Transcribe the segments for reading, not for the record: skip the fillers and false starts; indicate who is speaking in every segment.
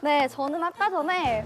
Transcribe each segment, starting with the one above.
Speaker 1: 네, 저는 아까 전에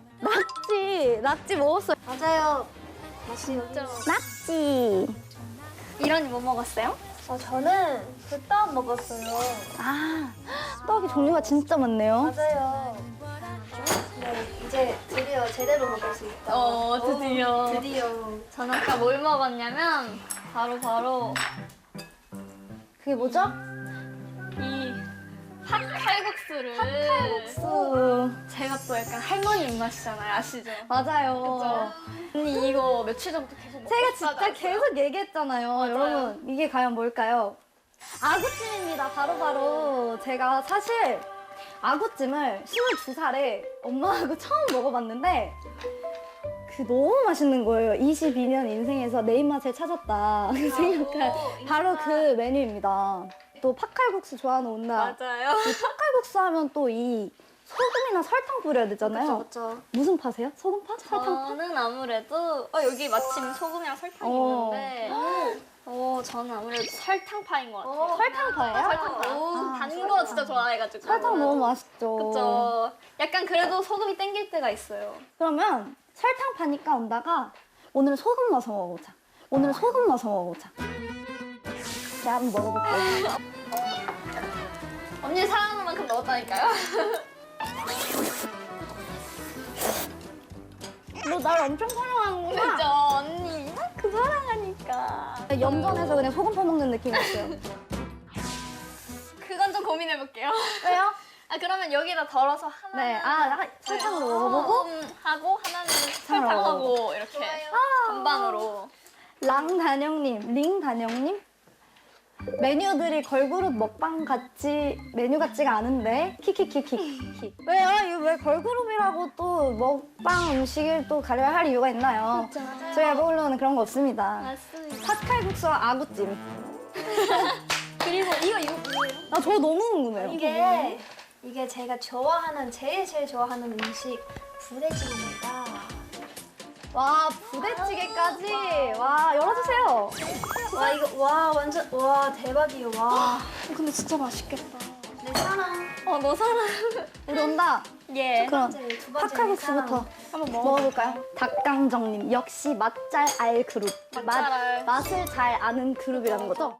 Speaker 1: 낙지 먹었어요.
Speaker 2: 맞아요. 맛있죠.
Speaker 1: 낙지.
Speaker 3: 이런이 뭐 먹었어요?
Speaker 2: 저는 불떡 먹었어요.
Speaker 1: 아, 떡이 종류가 진짜 많네요.
Speaker 2: 맞아요. 네, 이제 드디어 제대로 먹을 수 있다.
Speaker 3: 드디어.
Speaker 2: 드디어.
Speaker 3: 저는 아까 뭘 먹었냐면 바로
Speaker 1: 그게 뭐죠?
Speaker 3: 이 팥칼국수를.
Speaker 1: 팥칼국수.
Speaker 3: 제가 또 약간 할머니 입맛이잖아요. 아시죠?
Speaker 1: 맞아요.
Speaker 3: 그죠? 언니 이거 며칠 전부터 계속 먹고
Speaker 1: 제가
Speaker 3: 싶다고
Speaker 1: 진짜
Speaker 3: 했어요.
Speaker 1: 계속 얘기했잖아요. 여러분, 이게 과연 뭘까요? 아구찜입니다. 바로 제가 사실 아구찜을 22살에 엄마하고 처음 먹어봤는데 너무 맛있는 거예요. 22년 인생에서 내 입맛을 찾았다 생각한 바로 그 메뉴입니다. 또 팥칼국수 좋아하는 온나.
Speaker 3: 맞아요.
Speaker 1: 이 팥칼국수 하면 또 이 소금이나 설탕 뿌려야 되잖아요.
Speaker 2: 그렇죠.
Speaker 1: 무슨 파세요? 소금파? 설탕파?
Speaker 3: 저는 아무래도 여기 마침 소금이랑 설탕이 있는데 저는 아무래도 설탕파인 것 같아요.
Speaker 1: 설탕파예요?
Speaker 3: 설탕파. 단 거 진짜 좋아해가지고.
Speaker 1: 설탕 너무 맛있죠.
Speaker 3: 그쵸. 약간 그래도 소금이 땡길 때가 있어요.
Speaker 1: 그러면 설탕 파니까 온다가 오늘은 소금 넣어서 먹어보자. 오늘은 소금 넣어서 먹어보자. 제가 한번 먹어볼게요.
Speaker 3: 언니 사랑하는 만큼 넣었다니까요?
Speaker 1: 너 날 엄청 사랑하는구나.
Speaker 3: 그죠, 언니 이만큼 사랑하니까.
Speaker 1: 염전에서 그냥 소금 퍼먹는 느낌이었어요.
Speaker 3: 그건 좀 고민해볼게요.
Speaker 1: 왜요?
Speaker 3: 그러면 여기다 덜어서 하나.
Speaker 1: 네, 설탕으로 먹어보고
Speaker 3: 하고 하나는 설탕하고 이렇게 반반으로.
Speaker 1: 링단영님? 메뉴들이 걸그룹 먹방 메뉴 같지가 않은데 키키키키. 왜요? 이거 왜 걸그룹이라고 또 먹방 음식을 또 가려야 할 이유가 있나요? 저희가 먹으려는 그런 거 없습니다.
Speaker 3: 맞습니다.
Speaker 1: 팥칼국수와 아구찜.
Speaker 3: 그리고 이거 뭐예요?
Speaker 1: 저 너무 궁금해요.
Speaker 2: 이게 제가 제일 좋아하는 음식 부대찌개입니다.
Speaker 1: 와, 부대찌개까지. 와, 열어주세요.
Speaker 2: 완전 대박이에요. 와.
Speaker 3: 근데 진짜 맛있겠다.
Speaker 2: 내 사랑.
Speaker 3: 너 사랑.
Speaker 1: 우리 온다.
Speaker 3: 예.
Speaker 1: 그럼
Speaker 2: 두 번째
Speaker 1: 팥칼국수부터
Speaker 3: 한번
Speaker 1: 먹어볼까요? 닭강정님, 역시 맛 잘 알 그룹.
Speaker 3: 맛 잘 알.
Speaker 1: 맛을 잘 아는 그룹이라는 거죠?